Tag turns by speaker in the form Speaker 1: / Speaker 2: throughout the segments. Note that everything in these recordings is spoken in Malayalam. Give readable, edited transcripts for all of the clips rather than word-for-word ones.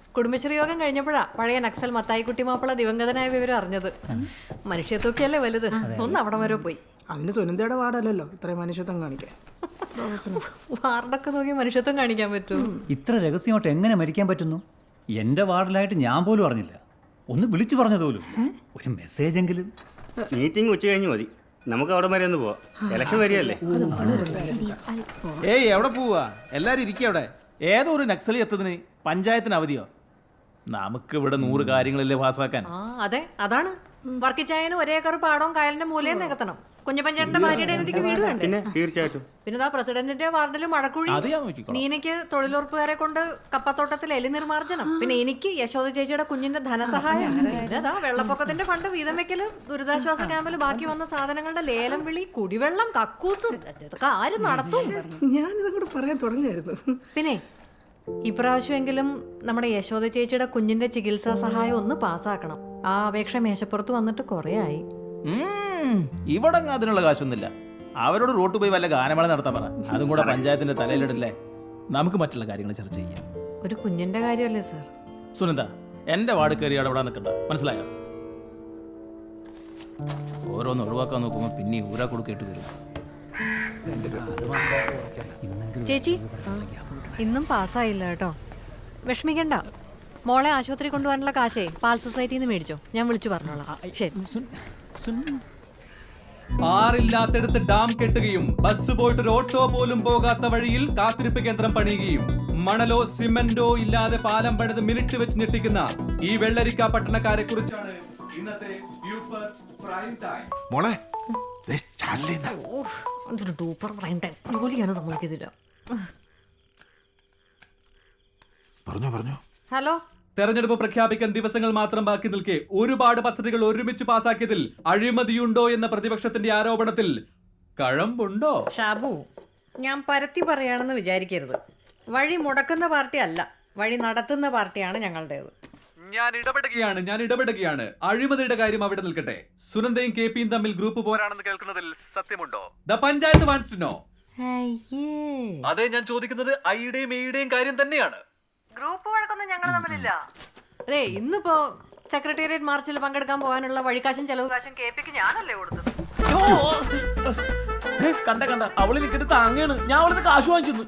Speaker 1: കുടുംബശ്രീ യോഗം കഴിഞ്ഞപ്പോഴാ പഴയ നക്സൽ മത്തായിക്കുട്ടി മാപ്പിള ദിവംഗതനായ വിവരം അറിഞ്ഞത്. മനുഷ്യത്വക്കല്ലേ വലുത്. ഒന്ന് അവിടെ വരെ പോയി.
Speaker 2: അതിന് സുനന്ദയുടെ വാർഡല്ലല്ലോ ഇത്രയും മനുഷ്യത്വം കാണിക്കാൻ.
Speaker 1: വാർഡൊക്കെ നോക്കി മനുഷ്യത്വം കാണിക്കാൻ പറ്റൂ?
Speaker 3: ഇത്ര രഹസ്യമായിട്ട് എങ്ങനെ മരിക്കാൻ പറ്റുന്നു? എൻ്റെ വാർഡിലായിട്ട് ഞാൻ പോലും അറിഞ്ഞില്ല. ഒന്ന് വിളിച്ചു പറഞ്ഞതുപോലും. ഒരു മെസ്സേജ് എങ്കിലും.
Speaker 4: മീറ്റിംഗ് ഉച്ച കഴിഞ്ഞ് മതി, നമുക്ക് അവിടെ വരെ ഒന്ന് പോവാം. ഇലക്ഷൻ വരികയല്ലേ.
Speaker 5: ഏയ് എവിടെ പോവാ? എല്ലാരും ഇരിക്കുക അവിടെ. ഏതോ ഒരു നക്സലി എത്തതിന് പഞ്ചായത്തിന് അവധിയോ? നമുക്ക് ഇവിടെ 100 കാര്യങ്ങളല്ലേ പാസ്സാക്കാൻ.
Speaker 1: അതെ, അതാണ്. വർക്കിച്ചായന് ഒരേ ഏക്കർ പാടവും കായലിന്റെ മൂലയും നികത്തണം. കുഞ്ഞപ്പഞ്ചേട്ടന്റെ ഭാര്യയുടെ എനിക്ക് വീട് വേണ്ടേ?
Speaker 4: പിന്നെ തീർച്ചയായിട്ടും.
Speaker 1: പിന്നെ പ്രസിഡന്റിന്റെ വാർഡിൽ മഴക്കുഴി,
Speaker 5: അത് ഞാൻ നോക്കിക്കോളാം.
Speaker 1: നീനയ്ക്ക് തൊഴിലുറപ്പുകാരെ കൊണ്ട് കപ്പത്തോട്ടത്തിൽ എലി നിർമാർജനം, പിന്നെ എനിക്ക് യശോദ ചേച്ചിയുടെ കുഞ്ഞിന്റെ ധനസഹായം, പിന്നെ വെള്ളപ്പൊക്കത്തിന്റെ ഫണ്ട് വീതം വെക്കല്, ദുരിതാശ്വാസ ക്യാമ്പിൽ ബാക്കി വന്ന സാധനങ്ങളുടെ ലേലം വിളി, കുടിവെള്ളം, കക്കൂസ്, ഇതൊക്കെ ആര് നടത്തും?
Speaker 2: ഞാനിതും കൂടെ പറയാൻ തുടങ്ങിയായിരുന്നു.
Speaker 1: പിന്നെ ഇപ്രാവശ്യമെങ്കിലും നമ്മുടെ യശോദ ചേച്ചിയുടെ കുഞ്ഞിന്റെ ചികിത്സാ സഹായം ഒന്ന് പാസ്സാക്കണം. ആ അപേക്ഷ മേശപ്പുറത്ത് വന്നിട്ട് കുറേ ആയി.
Speaker 5: ഇവിടെ അതിനുള്ള കാശൊന്നുമില്ല. അവരോട് റോട്ട് പോയി വല്ല ഗാനമേള നടത്താൻ പറ. അതും കൂടെ പഞ്ചായത്തിന്റെ തലയിലിടല്ലേ. നമുക്ക് മറ്റുള്ള കാര്യങ്ങൾ ചർച്ച ചെയ്യാം.
Speaker 1: ഒരു കുഞ്ഞിന്റെ കാര്യമല്ലേ സാർ?
Speaker 5: സുനന്ദ, എന്റെ വാർഡ് കയറി അവിടെ നിൽക്കണ്ട, മനസ്സിലായോ? ഓരോന്ന് ഒഴിവാക്കാൻ നോക്കുമ്പോൾ പിന്നെ ഊരാ കൊടുക്കേട്ട് വരും.
Speaker 1: ചേച്ചി ഇന്നും പാസ്സായില്ല കേട്ടോ. വിഷമിക്കണ്ട. മോളെ ആശുപത്രി കൊണ്ടുപോകാനുള്ള കാശേ പാൽ സൊസൈറ്റിന്ന് മേടിച്ചോ, ഞാൻ വിളിച്ചു പറഞ്ഞോളാം. ശരി.
Speaker 6: ആറില്ലാത്തടുത്ത് ഡാം കെട്ടുകയും ബസ് പോയിട്ട് ഒരു ഓട്ടോ പോലും പോകാത്ത വഴിയിൽ കാത്തിരിപ്പ് കേന്ദ്രം പണിയുകയും മണലോ സിമന്റോ ഇല്ലാതെ പാലം പണിത് മിനിറ്റ് വെച്ച് ഞെട്ടിക്കുന്ന ഈ വെള്ളരിക്ക പട്ടണക്കാരെ കുറിച്ചാണ് ഇന്നത്തെ പ്രൈം ടൈം.
Speaker 7: മോളെ
Speaker 1: അതൊരു ഡൂപ്പർ പ്രൈം ടൈം. ജോലി ചെയ്യാനും സമ്മതിക്കത്തില്ല.
Speaker 7: പറഞ്ഞോ.
Speaker 1: ഹലോ.
Speaker 6: തെരഞ്ഞെടുപ്പ് പ്രഖ്യാപിക്കാൻ ദിവസങ്ങൾ മാത്രം ബാക്കി നിൽക്കെ ഒരുപാട് പദ്ധതികൾ ഒരുമിച്ച് പാസാക്കിയതിൽ അഴിമതിയുണ്ടോ എന്ന പ്രതിപക്ഷത്തിന്റെ ആരോപണത്തിൽ കഴമ്പുണ്ടോ?
Speaker 1: ഷാബു, ഞാൻ പരത്തി പറയാണെന്ന് വിചാരിക്കരുത്. വഴി മുടക്കുന്ന പാർട്ടി അല്ല, വഴി നടത്തുന്ന പാർട്ടിയാണ് ഞങ്ങളുടേത്.
Speaker 6: ഞാൻ ഇടപെടുകയാണ്. അഴിമതിയുടെ കാര്യം അവിടെ നിൽക്കട്ടെ. സുനന്ദയും KP യും തമ്മിൽ ഗ്രൂപ്പ് പോരാണെന്ന് കേൾക്കുന്നതിൽ സത്യമുണ്ടോ? The panchayat wants to know. അതെ, ഞാൻ ചോദിക്കുന്നത് ഐയുടെയും എയുടെയും കാര്യം തന്നെയാണ്.
Speaker 1: ഗ്രൂപ്പ് വഴക്കൊന്നും ഞങ്ങൾ തമ്മിലില്ല. അതെ, ഇന്നിപ്പോ സെക്രട്ടേറിയറ്റ് മാർച്ചിൽ പങ്കെടുക്കാൻ പോകാനുള്ള വഴിക്കാശും ചെലവ് കാശും KPക്ക് ഞാനല്ലേ കൊടുത്തത്.
Speaker 5: കണ്ട അവള് നിൽക്കിട്ട് താങ്ങാണ്. ഞാൻ അവളിന്ന് കാശ് വാങ്ങിച്ചു.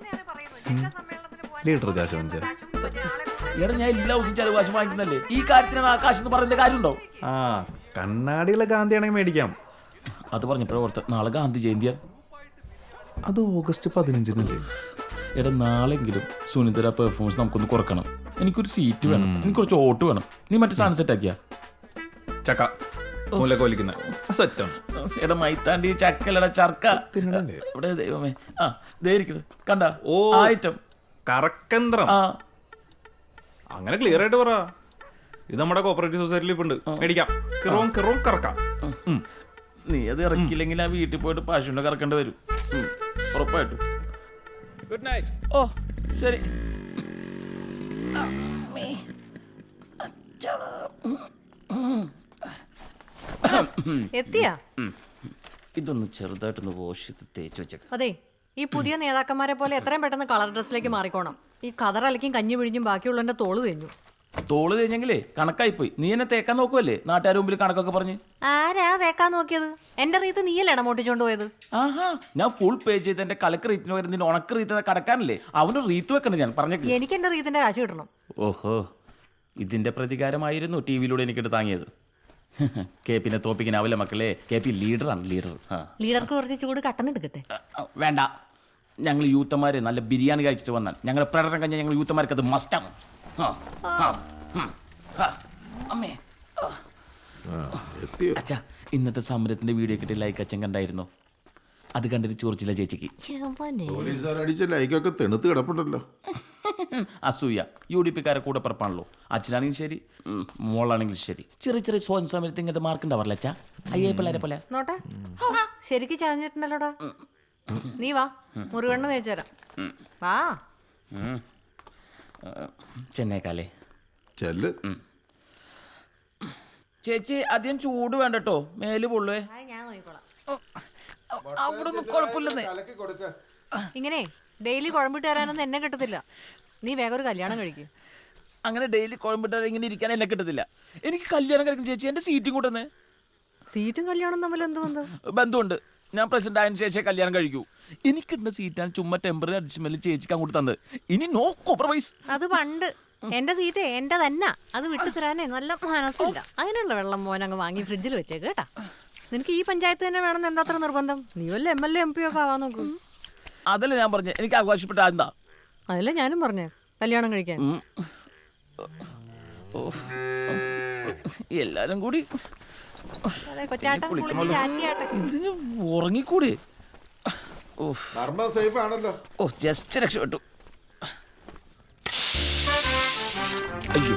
Speaker 7: ലീഡർ കാശ് വാങ്ങിച്ച
Speaker 5: എടാ, ഞാൻ എല്ലാ ദിവസവും ചെലവ് കാശ് വാങ്ങിക്കുന്നല്ലേ. ഈ കാര്യത്തിനാണ് ആ കാശ് എന്ന് പറയുന്ന കാര്യമുണ്ടോ?
Speaker 7: കണ്ണാടിയുള്ള ഗാന്ധിയാണെങ്കിൽ മേടിക്കാം.
Speaker 5: അത് പറഞ്ഞപ്പോഴേ ഓർത്ത് നാളെ ഗാന്ധി ജയന്തിയാണ്.
Speaker 7: അത് ഓഗസ്റ്റ് 15-നല്ലേ?
Speaker 5: എടാ, നാളെങ്കിലും സുനിതര പെർഫോമൻസ് നമുക്കൊന്ന് കുറക്കണം. എനിക്കൊരു സീറ്റ് വേണം, എനിക്ക് കുറച്ച് ഓട്ട് വേണം. നീ മറ്റേ സാധനം സെറ്റ് ആക്കിയാ?
Speaker 7: ചക്ക മൂലക്കോലിക്കുന്ന സെറ്റാണ്.
Speaker 5: എടാ മൈത്താണ്ടി ചക്കലട ചർക്ക ഇവിടെ ദൈവമേ. ആ ദേരിക്കണത് കണ്ട.
Speaker 7: ഓ,
Speaker 5: ഐറ്റം
Speaker 7: കറക്കന്ത്രം. അങ്ങനെ ക്ലിയർ ആയിട്ട് പറ. ഇത് നമ്മുടെ കോപ്പറേറ്റീവ് സൊസൈറ്റിയിൽ ഇപ്പൊ ഉണ്ട്, മേടിക്കാം. കിറോം കറക്കാം.
Speaker 5: നീ അത് ഇറക്കില്ലെങ്കിൽ ആ വീട്ടിൽ പോയിട്ട് പശുവിനെ കറക്കേണ്ടി വരും ഉറപ്പായിട്ടും.
Speaker 7: Good night.
Speaker 5: ഓ ശരി.
Speaker 1: എത്തിയാ?
Speaker 5: ഇതൊന്ന് ചെറുതായിട്ടൊന്ന് വാഷ് ചെയ്ത് തേച്ച് വെച്ചേക്കാം.
Speaker 1: അതെ, ഈ പുതിയ നേതാക്കന്മാരെ പോലെ എത്രയും പെട്ടെന്ന് കളർ ഡ്രസ്സിലേക്ക് മാറിക്കോണം. ഈ കതറലക്കും കഞ്ഞി പിഴിഞ്ഞും ബാക്കിയുള്ളതിന്റെ തോള് തേഞ്ഞു.
Speaker 5: തോള് തേഞ്ഞെങ്കിലേ കണക്കായിപ്പോയി. നീ എന്നെ തേക്കാൻ നോക്കുവല്ലേ നാട്ടുകാർ മുമ്പിൽ കണക്കൊക്കെ പറഞ്ഞ്.
Speaker 1: ആരാ തേക്കാൻ നോക്കിയത്? എന്റെ റീത്ത് നീയല്ലേ ഇടമോട്ടിച്ചോണ്ട് പോയത്?
Speaker 5: ആഹാ, ഞാൻ ഫുൾ പേ ചെയ്ത് എന്റെ കലക്ക് റീത്തിന് വരുന്നതിന് ഉണക്ക് റീത്ത് കടക്കാനല്ലേ അവന് റീത്ത് വെക്കണ്ട. ഞാൻ പറഞ്ഞേക്ക്,
Speaker 1: എനിക്ക് എന്റെ റീത്തിന്റെ കാശ് കിട്ടണം.
Speaker 5: ഓഹോ, ഇതിന്റെ പ്രതികാരമായിരുന്നു ടി വിയിലൂടെ എനിക്കിട്ട് താങ്ങിയത്. KP തോപ്പിക്കാനാവില്ല മക്കളെ. KP ലീഡറാണ്, leader.
Speaker 1: ലീഡർക്ക് കുറച്ച് ചൂട് കട്ടൻ എടുക്കട്ടെ?
Speaker 5: വേണ്ട, ഞങ്ങൾ യൂത്തമാര് നല്ല ബിരിയാണി കഴിച്ചിട്ട് വന്നാൽ ഞങ്ങളുടെ പ്രകടനം കഴിഞ്ഞാൽ ഞങ്ങൾ യൂത്തമാർക്ക് അത് മസ്റ്റാണ്. അമ്മേ, അച്ഛാ, ഇന്നത്തെ സമരത്തിന്റെ വീഡിയോ കിട്ടിയ ലൈക്ക് അച്ഛൻ കണ്ടായിരുന്നോ? അത് കണ്ടിട്ട് ചോർച്ചില്ല ചേച്ചിക്ക്.
Speaker 7: ലൈക്കൊക്കെ തെണുത്ത് കിടപ്പുണ്ടല്ലോ.
Speaker 5: അസൂയ. UDP-ക്കാരെ കൂടെ പിറപ്പാണല്ലോ. അച്ഛനാണെങ്കിലും ശരി, മോളാണെങ്കിലും ശരി. ചെറിയ ചെറിയ സ്വയം സമരത്തിൽ ഇങ്ങനത്തെ മാർക്ക് ഉണ്ടാവാറില്ല അച്ഛാ. അയ്യേ പിള്ളേരെ പോലെ.
Speaker 1: നോട്ടെ, ശരിക്കും ചാഞ്ഞിട്ടുണ്ടല്ലോടാ. നീ വാ, മുറുകണ്ണ തേച്ചുതരാം. വാ.
Speaker 5: ചെന്നൈക്കാലേ
Speaker 7: ചെല്ല്.
Speaker 5: ചേച്ചി അധികം ചൂട് വേണ്ട കേട്ടോ, മേല് പൊള്ളുവേ.
Speaker 1: ഞാൻ നോക്കിക്കോളാം.
Speaker 5: അവിടെ ഒന്നും കുഴപ്പമില്ലെന്നേ.
Speaker 1: ഇങ്ങനെ ഡെയിലി കുഴമ്പിട്ട് തരാനൊന്നും എന്നെ കിട്ടത്തില്ല. നീ വേഗം ഒരു കല്യാണം കഴിക്കും.
Speaker 5: അങ്ങനെ ഡെയിലി കോയമ്പിട്ടാൽ ഇങ്ങനെ ഇരിക്കാൻ എന്നെ കിട്ടത്തില്ല. എനിക്ക് കല്യാണം കഴിക്കും ചേച്ചി, എൻ്റെ സീറ്റും കൂട്ടുന്നേ.
Speaker 1: സീറ്റും കല്യാണം തമ്മിൽ എന്ത് ബന്ധം?
Speaker 5: ബന്ധമുണ്ട്. ഞാൻ പ്രസിഡന്റ് ആയതിനു ശേഷം കല്യാണം കഴിക്കൂ. എനിക്കിട്ടുന്ന സീറ്റാണ് ചുമ്മാ ടെമ്പററി അഡ്ജസ്റ്റ്മെന്റ് ചേച്ചിക്ക് അങ്ങോട്ട് തന്നത്. ഇനി നോ കോംപ്രമൈസ്.
Speaker 1: അത് പണ്ട് എന്റെ സീറ്റ് എന്റെ തന്നെ, അത് വിട്ടു തരാനേ നല്ല മനസ്സില്ല. അതിനുള്ള വെള്ളം മോൻ അങ്ങ് വാങ്ങി ഫ്രിഡ്ജിൽ വെച്ചേക്ക് കേട്ടാ. നിനക്ക് ഈ പഞ്ചായത്ത് തന്നെ വേണമെന്ന് എന്താ അത്ര നിർബന്ധം? നീ വല്ല MLA MP ഒക്കെ ആവാൻ നോക്കും.
Speaker 5: അതല്ല ഞാൻ പറഞ്ഞേ, എനിക്ക് ആഘോഷപ്പെട്ട എന്താ?
Speaker 1: അതല്ലേ ഞാനും പറഞ്ഞേ, കല്യാണം കഴിക്കാൻ.
Speaker 5: എല്ലാരും കൂടി
Speaker 1: അതെ, കൊച്ചാട്ടൻ കുളിച്ച് ചാറ്റിയാട്ടെ.
Speaker 5: ഇതിന് ഉറങ്ങിക്കൂടി.
Speaker 8: സേഫ് ആണല്ലോ.
Speaker 5: ഓ ജസ്റ്റ് രക്ഷപ്പെട്ടു. അയ്യോ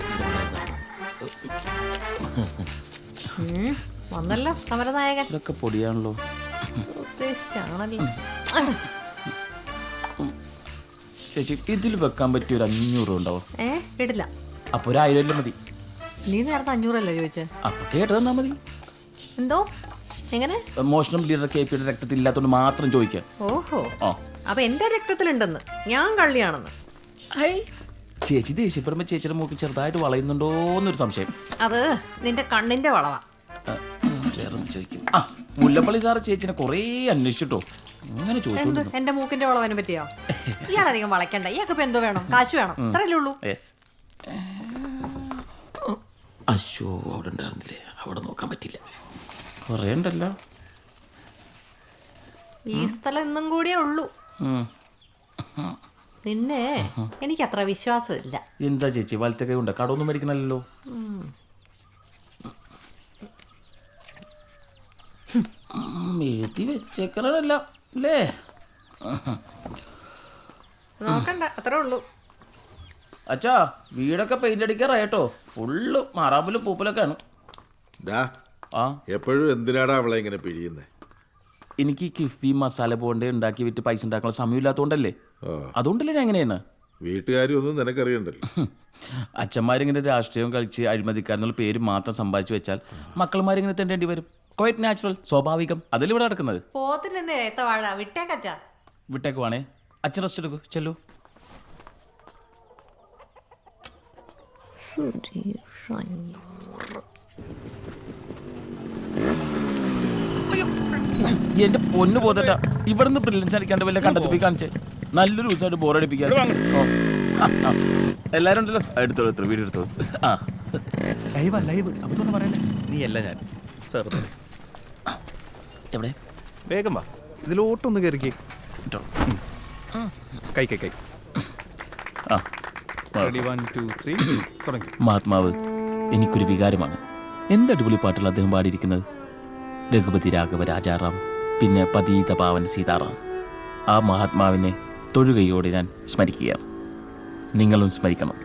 Speaker 1: വന്നല്ലോ സമരനായകൻ.
Speaker 5: ഇതൊക്കെ പൊടിയാണല്ലോ.
Speaker 1: ഉദ്ദേശിച്ചാണല്ലോ.
Speaker 5: ചേച്ചി ഇതിൽ വെക്കാൻ പറ്റിയ ഒരു 500 ഉണ്ടാവും.
Speaker 1: കേട്ടില്ല.
Speaker 5: അപ്പൊ ഒരു 1000 മതി.
Speaker 1: നീ നേരത്തെ 500 ചോദിച്ചേ.
Speaker 5: അപ്പൊ കേട്ട് തന്നാ മതി.
Speaker 1: എന്തോ എങ്ങനെ?
Speaker 5: മോഷണം ലീഡർ KP യുടെ രക്തത്തിൽ ഇല്ലാത്തോണ്ട് മാത്രം ചോദിക്കാൻ.
Speaker 1: ഓഹോ,
Speaker 5: ആ
Speaker 1: അപ്പൊ എന്റെ രക്തത്തിലുണ്ടെന്ന്, ഞാൻ കള്ളിയാണെന്ന്.
Speaker 5: ചേച്ചി ദേഷ്യപ്പെടുമ്പോ ചേച്ചിയുടെ മൂക്ക് ചെറുതായിട്ട് വളയുന്നുണ്ടോന്നൊരു സംശയം.
Speaker 1: അത് നിന്റെ കണ്ണിന്റെ വളവാ.
Speaker 5: വേറൊന്ന് ചോദിക്കും. ആ മുല്ലപ്പള്ളി സാറ് ചേച്ചിനെ കൊറേ അന്വേഷിച്ചിട്ടോ. അങ്ങനെ
Speaker 1: എന്ത്
Speaker 5: ചോദിച്ചോണ്ട്
Speaker 1: എന്റെ മൂക്കിന്റെ വളവനെ പറ്റിയോ? ഇയാളധികം വളയ്ക്കണ്ട. ഇയാൾക്ക് ഇപ്പൊ എന്തോ വേണം? കാശ് വേണം, അത്രയല്ലേ ഉള്ളൂ.
Speaker 5: അശോ അവിടെ ഉണ്ടായിരുന്നില്ലേ, അവിടെ നോക്കാൻ പറ്റില്ല. കൊറേ ഉണ്ടല്ലോ.
Speaker 1: ഈ സ്ഥലം ഇന്നും കൂടിയേ ഉള്ളൂ. നിന്നെ എനിക്ക് അത്ര വിശ്വാസമില്ല.
Speaker 5: എന്താ ചേച്ചി വലത്തെ കൈ ഉണ്ട്, കടമൊന്നും മേടിക്കണല്ലോ. എഴുതി വെച്ചേക്കണല്ല അല്ലേ?
Speaker 1: നോക്കണ്ട, അത്രേ ഉള്ളൂ.
Speaker 5: അച്ഛാ വീടൊക്കെ പെയിന്റ് അടിക്കാറായിട്ടോ. ഫുള്ള് മാറാമ്പലും പൂപ്പലൊക്കെ ആണ്. ആ
Speaker 8: എപ്പോഴും എന്തിനാടാ അവളെ ഇങ്ങനെ പിഴിയുന്നേ?
Speaker 5: എനിക്ക് കിഫ്ബി മസാല ബോണ്ട് ഉണ്ടാക്കി വിറ്റ് പൈസ ഉണ്ടാക്കാനുള്ള സമയമില്ലാത്തോണ്ടല്ലേ. അതുകൊണ്ടല്ലേ ഞാൻ എങ്ങനെയാണ്.
Speaker 8: വീട്ടുകാരൊന്നും നിനക്കറിയണ്ടല്ലോ.
Speaker 5: അച്ഛന്മാരിങ്ങനെ രാഷ്ട്രീയം കളിച്ച് അഴിമതിക്കാരെന്നുള്ള പേര് മാത്രം സമ്പാദിച്ചു വെച്ചാൽ മക്കളമാരിങ്ങനെ തെണ്ടേണ്ടി വരും. ക്വൈറ്റ് നാച്ചുറൽ, സ്വാഭാവികം. അതല്ലേ ഇവിടെ നടക്കുന്നത്.
Speaker 1: പോത്തിൽ നിന്ന് ഏത്തവാഴ വിട്ടേക്കച്ചാ.
Speaker 5: വിട്ടേക്ക് വേണേ. അച്ഛൻ റെസ്റ്റ് എടുക്കൂ, ചെല്ലു. എന്റെ പൊന്നു പോതട്ട, ഇവിടുന്ന് ബ്രില്യൻസ് അടിക്കാണ്ട് വല്ല കണ്ടെത്തി കാണിച്ചേ. നല്ലൊരു ദിവസമായിട്ട് ബോറടിപ്പിക്കാൻ. എല്ലാരും ഉണ്ടല്ലോ, എടുത്തോളൂ എടുത്തോളൂ, വീഡിയോ എടുത്തോളൂ. ആ
Speaker 7: ലൈവ് അതൊന്നും പറയല്ലേ. നീ അല്ല ഞാൻ സാർ.
Speaker 5: എവിടെ?
Speaker 7: വേഗം വാ, ഇതിലോട്ടൊന്ന് കയറിക്കേ. കൈ കൈ കൈ.
Speaker 5: ആ
Speaker 7: 1 2 3 തുടങ്ങി.
Speaker 5: മഹാത്മാവ് എനിക്കൊരു വികാരമാണ്. എന്ത് അടിപൊളി പാട്ടുകൾ അദ്ദേഹം പാടിയിരിക്കുന്നത്. രഘുപതി രാഘവ രാജാറാം, പിന്നെ പതീത പാവൻ സീതാറാം. ആ മഹാത്മാവിനെ തൊഴുകയോടെ ഞാൻ സ്മരിക്കുകയാണ്. നിങ്ങളും സ്മരിക്കണം.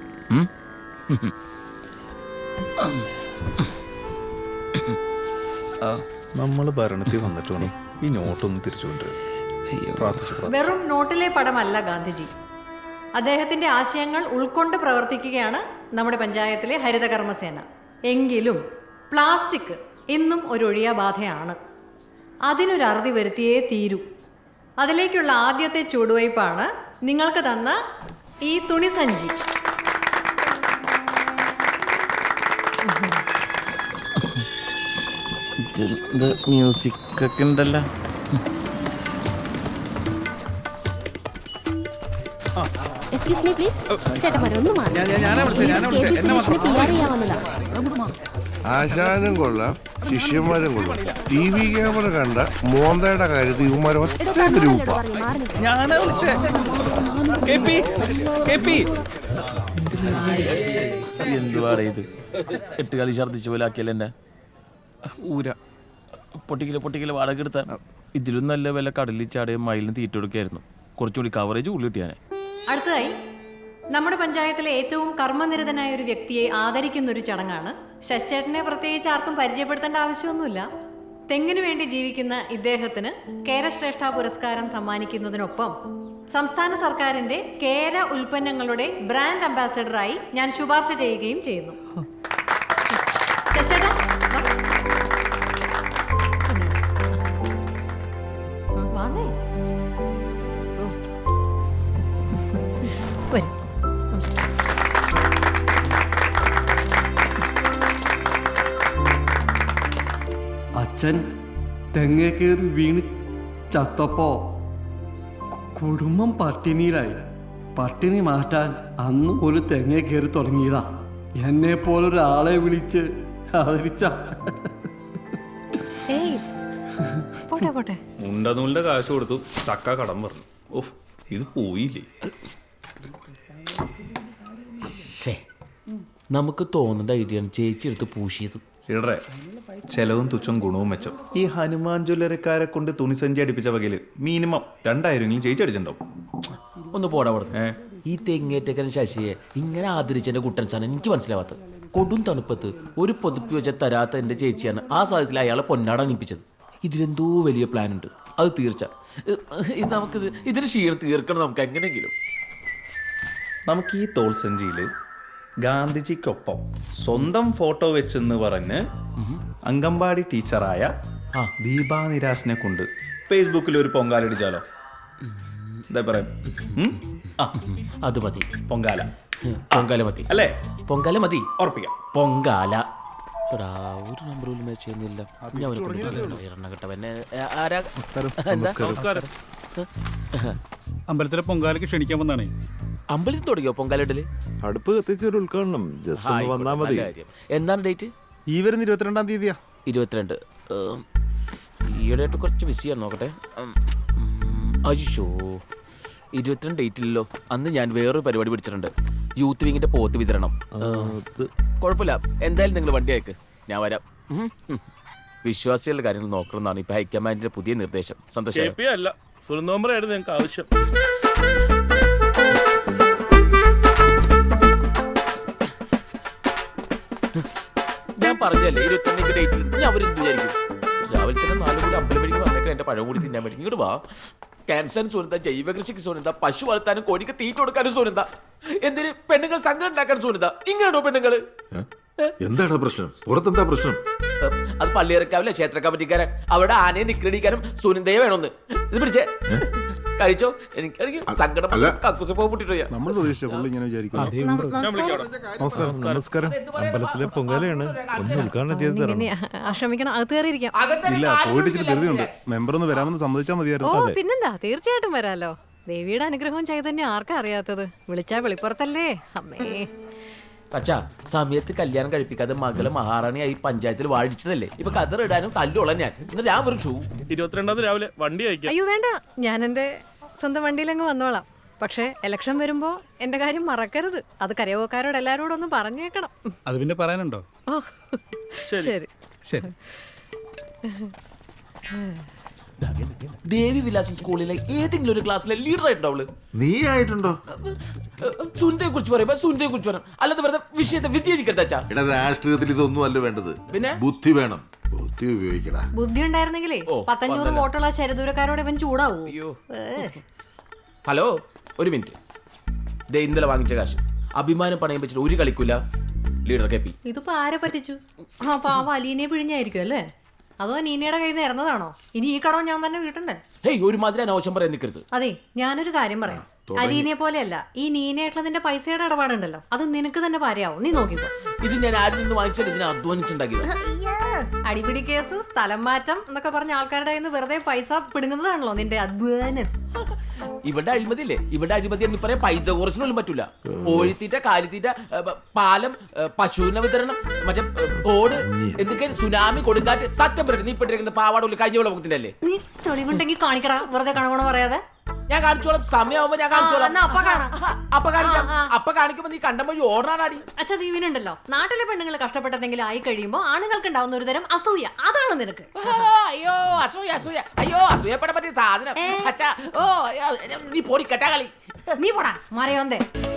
Speaker 7: നമ്മൾ ഭരണത്തിൽ വന്നിട്ട് വേണം ഈ നോട്ടൊന്ന് തിരിച്ചുകൊണ്ടുവരും.
Speaker 1: വെറും നോട്ടിലെ പടമല്ല ഗാന്ധിജി. അദ്ദേഹത്തിന്റെ ആശയങ്ങൾ ഉൾക്കൊണ്ട് പ്രവർത്തിക്കുകയാണ് നമ്മുടെ പഞ്ചായത്തിലെ ഹരിതകർമ്മസേന. എങ്കിലും പ്ലാസ്റ്റിക് ഇന്നും ഒരു ഒഴിയാബാധയാണ്. അതിനൊരു അറുതി വരുത്തിയേ തീരൂ. അതിലേക്കുള്ള ആദ്യത്തെ ചുവടുവയ്പ്പാണ് നിങ്ങൾക്ക് തന്ന ഈ തുണിസഞ്ചി.
Speaker 5: മ്യൂസിക് ഒക്കെ ഉണ്ടല്ലോ.
Speaker 9: Excuse me please. ചേട്ടന്മാരെ ഒന്ന് മാറി.
Speaker 8: ആശാനും കൊള്ളാം, ശിഷ്യന്മാരും കൊള്ളാം. TV ക്യാമറ കണ്ട മോന്തയുടെ കാര്യത്തിൽ ഇവന്മാരെ ഒറ്റ ഗ്രൂപ്പാ.
Speaker 5: എന്തുവാടേ ഇത്? 8 കളി ഛർദ്ദിച്ച പോലെ ആക്കിയല്ലേ എന്നെ.
Speaker 7: ഊര
Speaker 5: പൊട്ടിക്കല് വാടക എടുത്താൽ ഇതിലും നല്ല വില കടലിൽ ചാടയും മയിലിന് തീറ്റ കൊടുക്കായിരുന്നു. കുറച്ചുകൂടി കവറേജ് ഉള്ളി കിട്ടിയാനെ.
Speaker 1: അടുത്തതായി നമ്മുടെ പഞ്ചായത്തിലെ ഏറ്റവും കർമ്മനിരതനായ ഒരു വ്യക്തിയെ ആദരിക്കുന്ന ഒരു ചടങ്ങാണ്. ശശിചേട്ടനെ പ്രത്യേകിച്ച് ആർക്കും പരിചയപ്പെടുത്തേണ്ട ആവശ്യമൊന്നുമില്ല. തെങ്ങിനു വേണ്ടി ജീവിക്കുന്ന ഇദ്ദേഹത്തിന് കേരശ്രേഷ്ഠ പുരസ്കാരം സമ്മാനിക്കുന്നതിനൊപ്പം സംസ്ഥാന സർക്കാരിന്റെ കേര ഉൽപ്പന്നങ്ങളുടെ ബ്രാൻഡ് അംബാസഡറായി ഞാൻ ശുപാർശ ചെയ്യുകയും ചെയ്യുന്നു. ശശിചേട്ടാ വാന്നേ. വരും.
Speaker 10: അച്ഛൻ തെങ്ങേ കയറി വീണ് ചത്തപ്പോ കുടുംബം പട്ടിണിയിലായി. പട്ടിണി മാറ്റാൻ അന്ന് ഒരു തെങ്ങേ കയറി തുടങ്ങിയതാ. എന്നെ പോലൊരാളെ വിളിച്ച് ആദരിച്ച.
Speaker 1: ഏയ് പോട്ടെ പോട്ടെ.
Speaker 7: ഉണ്ടനൂലിന്റെ കാശ് കൊടുത്തു, ചക്ക കടം പറഞ്ഞു. ഓഹ്, ഇത് പോയില്ലേ.
Speaker 5: നമുക്ക് തോന്നേണ്ട ഐഡിയ ചേച്ചി എടുത്ത് പൂശിയത്.
Speaker 7: ഇടറെ ചെലവും തുച്ഛം ഗുണവും മെച്ചം. ഈ ഹനുമാൻ ജ്വല്ലറിക്കാരെ കൊണ്ട് തുണിസഞ്ചി അടിപ്പിച്ച വകയില് മിനിമം 2000 ചേച്ചി അടിച്ചിട്ടുണ്ടാവും.
Speaker 5: ഒന്ന് പോടാ പറഞ്ഞു. ഈ തെങ്ങേറ്റക്കൻ ശശിയെ ഇങ്ങനെ ആദരിച്ചെന്റെ കുട്ടൻസാണ് എനിക്ക് മനസ്സിലാവാത്തത്. കൊടും തണുപ്പത്ത് ഒരു പൊതുപ്പി വെച്ച തരാത്ത എൻ്റെ ചേച്ചിയാണ് ആ സാഹചര്യത്തിൽ അയാളെ പൊന്നാട അണിപ്പിച്ചത്. ഇതിലെന്തോ വലിയ പ്ലാൻ ഉണ്ട്, അത് തീർച്ച. നമുക്കിത് ഇതിന് ക്ഷീണം തീർക്കണം നമുക്ക് എങ്ങനെയെങ്കിലും.
Speaker 7: നമുക്ക് ഈ തോൾസഞ്ചിയില് ഗാന്ധിജിക്കൊപ്പം സ്വന്തം ഫോട്ടോ വെച്ചെന്ന് പറഞ്ഞ് അംഗൻവാടി ടീച്ചറായ ദീപാ നിരാശിനെ കൊണ്ട് ഫേസ്ബുക്കിൽ ഒരു പൊങ്കാലടിച്ചാലോ? എന്താ പറയാ?
Speaker 5: അത് മതി.
Speaker 7: പൊങ്കാല
Speaker 5: പൊങ്കാല മതി
Speaker 7: അല്ലേ?
Speaker 5: പൊങ്കാല മതി,
Speaker 7: ഉറപ്പിക്കാം.
Speaker 5: പൊങ്കാല. ഒരു നമ്പർ പോലും മാച്ച് ചെയ്യുന്നില്ല.
Speaker 3: അമ്പലത്തിലെ പൊങ്കാലയ്ക്ക് ക്ഷണിക്കാൻ വന്നാണേ.
Speaker 5: അമ്പലത്തിൽ തുടങ്ങിയോ പൊങ്കാലിടല്?
Speaker 11: അടുപ്പ് കത്തിച്ച ഒരു ഉദ്ഘാടനം ജസ്റ്റ് ഒന്ന് വന്നാൽ മതി.
Speaker 5: എന്താണ് ഡേറ്റ്?
Speaker 11: ഈ വരുന്ന 22-ാം തീയതിയാ.
Speaker 5: 22. ഈയിടെയായിട്ട് കുറച്ച് ബിസിയാണ്, നോക്കട്ടെ. അയ്യോ, 22 ഡേറ്റ് ഇല്ലല്ലോ. അന്ന് ഞാൻ വേറൊരു പരിപാടി പിടിച്ചിട്ടുണ്ട്, യൂത്ത് വിങ്ങിന്റെ പോത്ത് വിതരണം. കുഴപ്പമില്ല, എന്തായാലും നിങ്ങൾ വണ്ടി അയക്ക്, ഞാൻ വരാം. വിശ്വാസികളുടെ കാര്യങ്ങൾ നോക്കണമെന്നാണ് ഇപ്പൊ ഹൈക്കമാൻഡിന്റെ പുതിയ നിർദ്ദേശം. സന്തോഷം.
Speaker 11: ഞങ്ങൾക്ക് ആവശ്യം.
Speaker 5: ഞാൻ പറഞ്ഞല്ലേ 22 ഡേറ്റിൽ ഞാൻ അവരെന്ത് വിചാരിക്കും? രാവിലെ തന്നെ 4 കൂടി അമ്പലപ്പടിക്ക് വന്നേക്കാൻ എന്റെ പഴം കൂടി തിന്നാൻ പറ്റും. ഇങ്ങോട്ട് വാ. ക്യാൻസറിന് സൂനന്ത, ജൈവ കൃഷിക്ക് സൂനന്ത, പശു വളർത്താനും കോഴിക്ക് തീറ്റ കൊടുക്കാനും സൂനന്ത, എന്തിന് പെണ്ണുങ്ങൾ സംഘം ഉണ്ടാക്കാൻ സൂനന്ത. ഇങ്ങനെയാണോ പെണ്ണുങ്ങള്?
Speaker 11: എന്താണ് പ്രശ്നം? പുറത്തെന്താ പ്രശ്നം?
Speaker 5: അത് പള്ളിയിറക്കാവില്ല ക്ഷേത്ര കമ്മിറ്റിക്കാരൻ അവിടെ ആനയെ നിക്രടിക്കാനും സുനന്ദയെ വേണമെന്ന്. ഇത് പിടിച്ചേ കഴിച്ചോ. എനിക്കാണെങ്കിൽ സങ്കടം കക്കൂസ് പൊട്ടിട്ടോ.
Speaker 11: നമ്മൾ പ്രതീക്ഷിച്ച പുള്ളി ഇങ്ങനെ വിചാരിക്കും. നമസ്കാരം. നമസ്കാരം. അമ്പലത്തിലെ പൊങ്കാലയാണ്. ഒന്ന് ഉദ്ഘാടനം ചെയ്ത് തരണം.
Speaker 1: ക്ഷമിക്കണം, അകത്ത് കയറിയിരിക്കാം.
Speaker 11: ഇല്ല, പോയിട്ട് ഇച്ചിരി ധൃതിയുണ്ട്. മെമ്പർ ഒന്ന് വരാമെന്ന് സമ്മതിച്ചാൽ
Speaker 1: ഓ
Speaker 11: മതിയായിരുന്നു.
Speaker 1: പിന്നെന്താ, തീർച്ചയായിട്ടും വരാലോ. ദേവിയുടെ അനുഗ്രഹവും ചൈതന്യം ആർക്കാ അറിയാത്തത്? വിളിച്ചാ വെളിപ്പുറത്തല്ലേ അമ്മേ.
Speaker 5: അച്ഛാ, സമയത്ത് കല്യാണം കഴിപ്പിക്കാതെ മകള് മഹാറാണിയായി പഞ്ചായത്തിൽ വാഴിച്ചതല്ലേ. ഇപ്പൊ കതറിടാനും തല്ലുള്ള ഞാൻ വെറും
Speaker 11: 22 രാവിലെ വണ്ടി അയക്കാം.
Speaker 1: അയ്യോ വേണ്ട, ഞാൻ എന്റെ സ്വന്തം വണ്ടിയിലങ്ങ് വന്നോളാം. പക്ഷെ ഇലക്ഷൻ വരുമ്പോ എന്റെ കാര്യം മറക്കരുത്. അത് കരയോക്കാരോട് എല്ലാരോടും ഒന്ന് പറഞ്ഞേക്കണം.
Speaker 3: അത് പിന്നെ പറയാനുണ്ടോ?
Speaker 1: ഓ ശരി
Speaker 3: ശരി.
Speaker 5: ദേവി വിലാസം സ്കൂളിലെ ഏതെങ്കിലും ഒരു ക്ലാസ്സിലെ ലീഡർ ആയിട്ടുണ്ടാവുള്ളൂ.
Speaker 11: നീ ആയിട്ടുണ്ടോ?
Speaker 5: സുനിതയെ കുറിച്ച് പറയുമ്പോ സുനിതയെ കുറിച്ച് പറയണം, അല്ലാതെ വെറുതെ വിഷയത്തെ വ്യതിചരിക്കരുത് അച്ഛാ.
Speaker 11: രാഷ്ട്രീയത്തിൽ ഇതൊന്നും അല്ല വേണ്ടത്,
Speaker 5: പിന്നെ
Speaker 11: ബുദ്ധി വേണം. ബുദ്ധി ഉപയോഗിക്കടാ.
Speaker 1: ബുദ്ധി ഉണ്ടായിരുന്നെങ്കിലേ 500 വോട്ടുള്ള ശരദൂരക്കാരോട് ഇവൻ ചൂടാവൂ.
Speaker 5: ഹലോ, ഒരു മിനിറ്റ്. ദേ ഇന്നലെ വാങ്ങിച്ച കാശ് അഭിമാനം പണയം വെച്ചിട്ട് ഒരു കളിക്കൂല ലീഡർ കെപ്പി.
Speaker 1: ഇതിപ്പോ ആരെ പറ്റിച്ചു? ആ പാവ അലീനെ പിഴിഞ്ഞായിരിക്കും അല്ലേ? അതോ നീനയുടെ കയ്യിൽ നിന്ന് ഇറന്നതാണോ? ഇനി ഈ കടവും ഞാൻ തന്നെ വീട്ടണ്ടേ?
Speaker 5: ഹേയ്, ഒരുമാതിരി അനാവശ്യം പറയാൻ നിൽക്കരുത്.
Speaker 1: അതെ, ഞാനൊരു കാര്യം പറയാം. അലീനെ പോലെയല്ല, ഈ നീനയായിട്ടുള്ള നിന്റെ പൈസയുടെ ഇടപാടുണ്ടല്ലോ, അത് നിനക്ക് തന്നെ പാരയാവും. നീ നോക്കിക്കോ.
Speaker 5: ഇത് ഞാൻ ആരിൽ നിന്ന് വാങ്ങിച്ചാൽ ഇതിനെ അധ്വാനിച്ചുണ്ടാക്കിയത്.
Speaker 1: അടിപിടി കേസ്, സ്ഥലം മാറ്റം എന്നൊക്കെ പറഞ്ഞ ആൾക്കാരുടെ കയ്യിൽ നിന്ന് വെറുതെ പൈസ പിടുങ്ങുന്നതാണല്ലോ നിന്റെ അധ്വാനം.
Speaker 5: ഇവിടെ അഴിമതി ഇല്ലേ? ഇവിടെ അഴിമതി എന്ന് പറയാൻ പൈതകോറച്ചിനൊന്നും പറ്റൂല. കോഴിത്തീറ്റ, കാലിത്തീറ്റ, പാലം, പശുവിന വിതരണം, മറ്റേ തോട്, എന്തൊക്കെ സുനാമി, കൊടുങ്കാറ്റ്. സത്യം പറയും, നീ ഇട്ടിരിക്കുന്ന പാവാടുള്ള കഴിഞ്ഞ വെള്ളത്തിന്റെ അല്ലേ?
Speaker 1: നീ തെളിവുണ്ടെങ്കിൽ കാണിക്കടാ, വെറുതെ കണകണ പറയാതെ.
Speaker 5: ഞാൻ കാണിച്ചോളാം, സമയമാകുമ്പോ ഞാൻ കാണിച്ചോളാം. അപ്പൊ കാണിക്കാം. അപ്പൊ കാണിക്കുമ്പോ നീ കണ്ട വഴി ഓടാനാടി.
Speaker 1: അച്ഛാ, ദീവിനുണ്ടല്ലോ, നാട്ടിലെ പെണ്ണുങ്ങൾ കഷ്ടപ്പെട്ടെന്തെങ്കിലും ആയി കഴിയുമ്പോ ആണുങ്ങൾക്ക് ഉണ്ടാവുന്ന ഒരു തരം അസൂയ. അതാണ് നിനക്ക്.
Speaker 5: അയ്യോ അസൂയ, അസൂയ. അയ്യോ, അസൂയപ്പെടാൻ പറ്റിയ സാധനം. അച്ഛാ, ഓ നീ പോടി കെട്ടാ കളി.
Speaker 1: നീ പോടാ മറയോന്തേ.